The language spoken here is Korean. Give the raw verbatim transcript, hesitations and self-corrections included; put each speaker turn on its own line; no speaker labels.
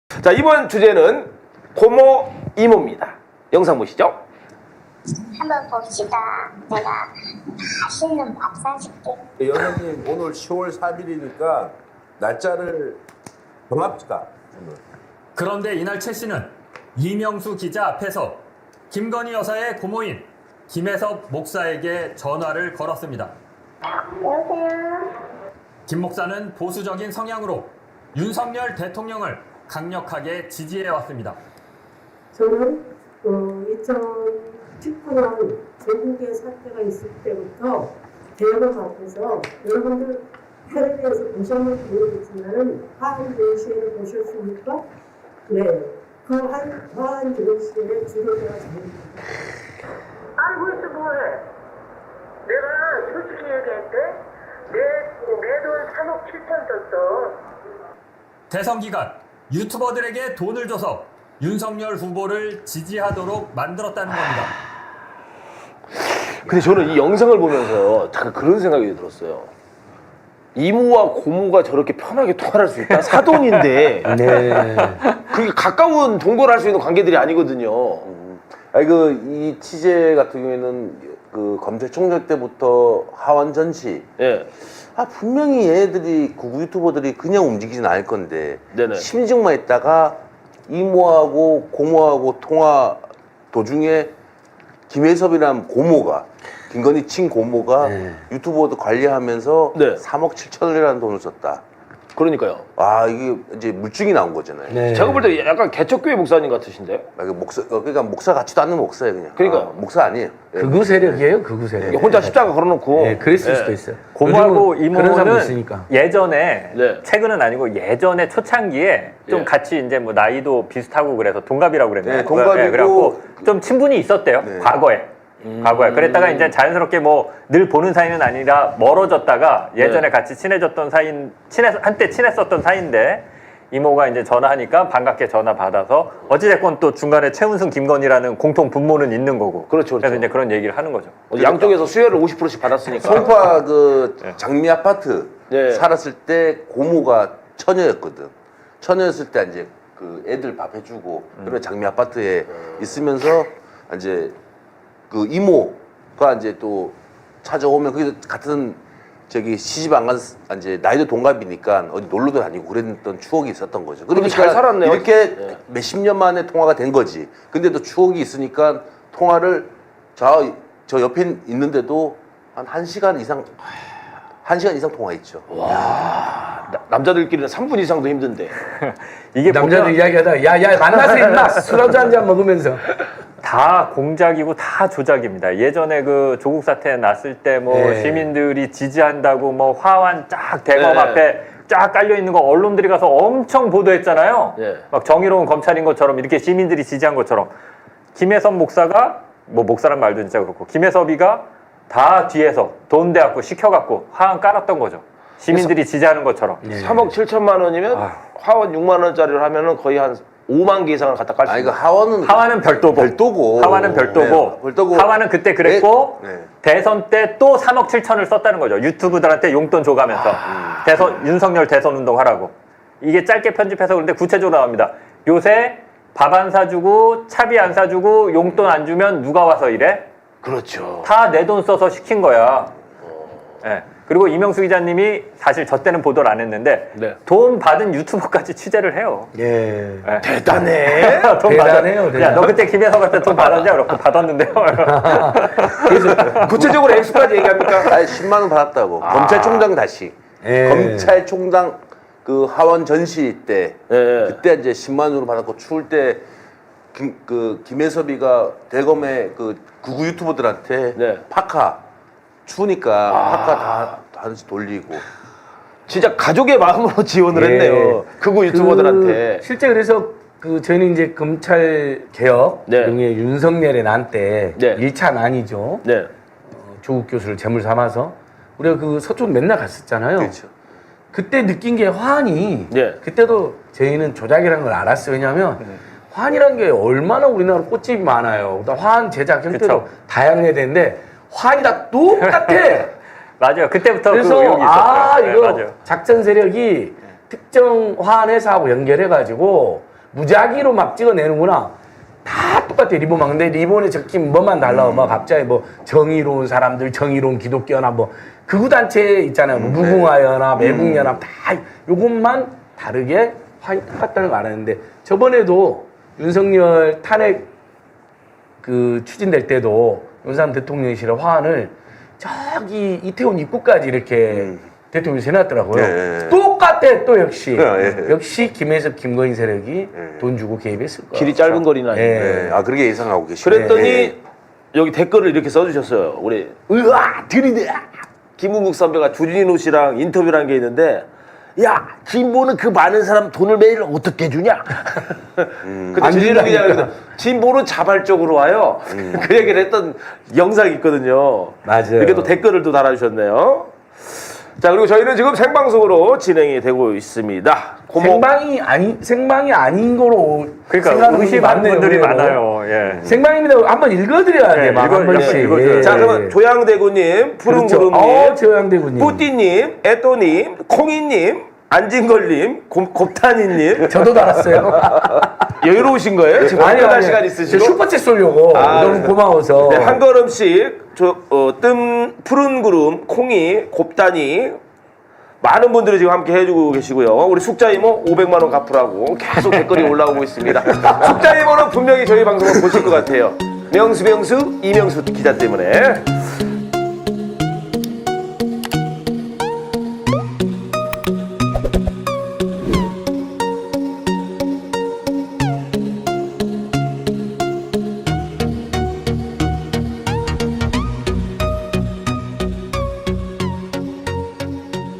자, 이번 주제는 고모 이모입니다. 영상 보시죠.
한번 봅시다. 내가 맛있는 밥 사줄게.
여사님 오늘 시월 삼일이니까 날짜를 정합시다. 오늘.
그런데 이날 최 씨는 이명수 기자 앞에서 김건희 여사의 고모인 김혜섭 목사에게 전화를 걸었습니다.
여보세요?
김 목사는 보수적인 성향으로 윤석열 대통령을 강력하게 지지해왔습니다.
저는 어, 이천십구 년 전국의 사태가 있을 때부터 대여섯 앞에서 여러분들 텔레비에서 보셨는지 모르겠지만 화한 전시회를 보셨습니까? 네. 그 한, 화한 전시회의 주도자가 저입니다.
아니 그래서 뭐해? 내가 솔직히 얘기할게. 내내돈 삼억 칠천 썼어.
대선 기간 유튜버들에게 돈을 줘서 윤석열 후보를 지지하도록 만들었다는 겁니다.
근데 저는 이 영상을 보면서 잠깐 그런 생각이 들었어요. 이모와 고모가 저렇게 편하게 통화를 할 수 있다? 사돈인데
네.
그게 가까운 동거를 할 수 있는 관계들이 아니거든요.
아니 그 이 취재 같은 경우에는 그 검찰총장 때부터 하원 전시.
예.
아 분명히 얘네들이 구구 유튜버들이 그냥 움직이진 않을 건데
네네.
심증만 있다가 이모하고 고모하고 통화 도중에 김혜섭이라는 고모가 김건희 친 고모가
네.
유튜버도 관리하면서
네.
삼억 칠천이라는 돈을 썼다.
그러니까요.
아 이게 이제 물증이 나온 거잖아요.
네.
제가 볼 때 약간 개척교회 목사님 같으신데?
아, 이게 목사 어, 그러니까 목사 같지도 않는 목사예요 그냥.
그러니까요.
아, 목사 아니에요. 예.
극우 세력이에요, 극우 세력.
혼자 십자가 걸어놓고.
네, 그랬을
예.
수도 있어요.
고모하고
요즘은 그런 사람도
이모는
있으니까.
예전에
네.
최근은 아니고 예전에 초창기에 좀
예.
같이 이제 뭐 나이도 비슷하고 그래서 동갑이라고 그랬나요?
네, 동갑이고
그래갖고 좀 친분이 있었대요.
네.
과거에.
음.
과거에. 그랬다가 이제 자연스럽게 뭐 늘 보는 사이는 아니라 멀어졌다가 예전에
네.
같이 친해졌던 사이인 친해 한때 친했었던 사이인데 이모가 이제 전화하니까 반갑게 전화 받아서 어찌됐건 또 중간에 최은순 김건희라는 공통 분모는 있는 거고.
그렇죠, 그렇죠.
그래서 이제 그런 얘기를 하는 거죠.
양쪽에서 수혜를 오십 퍼센트씩 받았으니까.
송파 그 장미 아파트
네.
살았을 때 고모가 처녀였거든. 처녀였을 때 이제 그 애들 밥 해주고 그런 장미 아파트에 있으면서 이제 그 이모가 이제 또 찾아오면 그 같은 저기 시집 안 간 이제 나이도 동갑이니까 어디 놀러도 다니고 그랬던 추억이 있었던 거죠. 그러니까
잘 살았네요.
이렇게
네.
몇십 년 만에 통화가 된 거지. 근데 또 추억이 있으니까 통화를 저, 저 옆에 있는데도 한 한 시간 이상 한 시간 이상 통화했죠.
나- 남자들끼리는 삼 분 이상도 힘든데.
이게
남자들
보면
이야기하다, 야, 야, 만나서 임마! 술 한잔 한잔 먹으면서.
다 공작이고 다 조작입니다. 예전에 그 조국 사태 났을 때 뭐
네.
시민들이 지지한다고 뭐 화환 쫙 대검
네.
앞에 쫙 깔려 있는 거 언론들이 가서 엄청 보도했잖아요.
네.
막 정의로운 검찰인 것처럼 이렇게 시민들이 지지한 것처럼 김혜섭 목사가 뭐 목사란 말도 진짜 그렇고 김혜섭이가 다 뒤에서 돈 대갖고 시켜갖고 화환 깔았던 거죠. 시민들이 지지하는 것처럼.
네.
삼억 칠천만 원이면
아휴.
화원 육만 원짜리를 하면은 거의 한 오만 개 이상을 갖다 깔 수
아
있는.
이거 하원은
하와는 별도고.
별도고.
하와는 별도고.
네, 별도고.
하와는 그때 그랬고
네, 네.
대선 때 또 삼억 칠천을 썼다는 거죠. 유튜브들한테 용돈 줘가면서 대선 윤석열 대선 운동하라고. 이게 짧게 편집해서 그런데 구체적으로 나옵니다. 요새 밥 안 사주고 차비 안 사주고 용돈 안 주면 누가 와서 이래?
그렇죠.
다 내 돈 써서 시킨 거야. 예. 그리고 이명수 기자님이 사실 저 때는 보도를 안 했는데
네.
돈 받은 유튜버까지 취재를 해요.
예.
예.
대단해.
돈
대단해요,
받아.
대단.
야, 너 그때 김혜섭한테 돈 받았냐? 그렇고 받았는데요.
구체적으로 액수까지 얘기합니까?
아니 십만 원 받았다고. 검찰총장 다시.
예.
검찰총장 그 하원 전시 때
예.
그때 이제 십만 원으로 받았고 추울 때 김, 그 김혜섭이가 대검의 그 구구 유튜버들한테
네.
파카 추우니까 파카 다 하나씩 돌리고.
진짜 가족의 마음으로 지원을
예.
했네요. 극우 유튜버들한테.
그 실제 그래서 그 저희는 이제 검찰 개혁,
네.
중에 윤석열의 난 때
네.
일 차 난이죠.
네.
어, 조국 교수를 제물 삼아서 우리가 그 서쪽 맨날 갔었잖아요.
그렇죠.
그때 느낀 게 화환이
네.
그때도 저희는 조작이라는 걸 알았어요. 왜냐하면 화환이라는 게 얼마나 우리나라 꽃집이 많아요. 그다음 화환 제작 형태도
그쵸.
다양해야 되는데 화환이 다 똑같아.
맞아요. 그때부터 그
그래서
의혹이 있었어요.
아
네,
이거
맞아요.
작전 세력이 특정 화환 회사하고 연결해가지고 무작위로 막 찍어내는구나. 다 똑같아 리본만. 근데 리본에 적힌 뭐만 달라. 뭐 갑자기 뭐 정의로운 사람들, 정의로운 기독교연합 뭐 극우 단체 있잖아요. 뭐 무궁화연합, 애국연합 다 요것만 다르게 화했다는 거 알았는데 저번에도 윤석열 탄핵 그 추진될 때도 윤석열 대통령실의 화환을 저기 이태원 입구까지 이렇게
음.
대통령이 해놨더라고요.
예, 예.
똑같아 또 역시.
예, 예.
역시 김혜섭, 김건희 세력이
예.
돈 주고 개입했을 거야.
길이 짧은 거리나.
예.
네. 아 그렇게 예상하고 계시네.
그랬더니
예.
여기 댓글을 이렇게 써주셨어요. 우리 으아 들이대 김은국 선배가 주진우 씨랑 인터뷰를 한 게 있는데 야 진보는 그 많은 사람 돈을 매일 어떻게 주냐? 근데
안
주진우 기자가
준다니까.
그래서 진보는 자발적으로 와요. 그 얘기를 했던 영상이 있거든요.
맞아요.
이렇게 또 댓글을 또 달아주셨네요. 자 그리고 저희는 지금 생방송으로 진행이 되고 있습니다. 고모-
생방이 아니 생방이 아닌 거로
그러니까
생각하는 분이
의심하는
많네요,
분들이
의외로.
많아요. 예.
생방입니다. 한번 읽어드려야 돼.
네,
막
읽어-
한 번씩.
약간 읽어줘야
예.
자 그러면 조양대구님, 푸른구름님,
어, 조양대구님.
뿌띠님, 에또님, 콩이님, 안진걸님, 곰- 곱타니님
저도 달았어요.
여유로우신 거예요? 지금
아니요,
끝날
아니요.
시간
저
있으시고
슈퍼챗 쏠려고
아,
너무
네.
고마워서.
네, 한 걸음씩 저, 어, 뜸 푸른 구름, 콩이, 곱다니 많은 분들이 지금 함께 해주고 계시고요. 우리 숙자 이모 오백만 원 갚으라고 계속 댓글이 올라오고 있습니다. 숙자 이모는 분명히 저희 방송을 보실 것 같아요. 명수 명수 이명수 기자 때문에.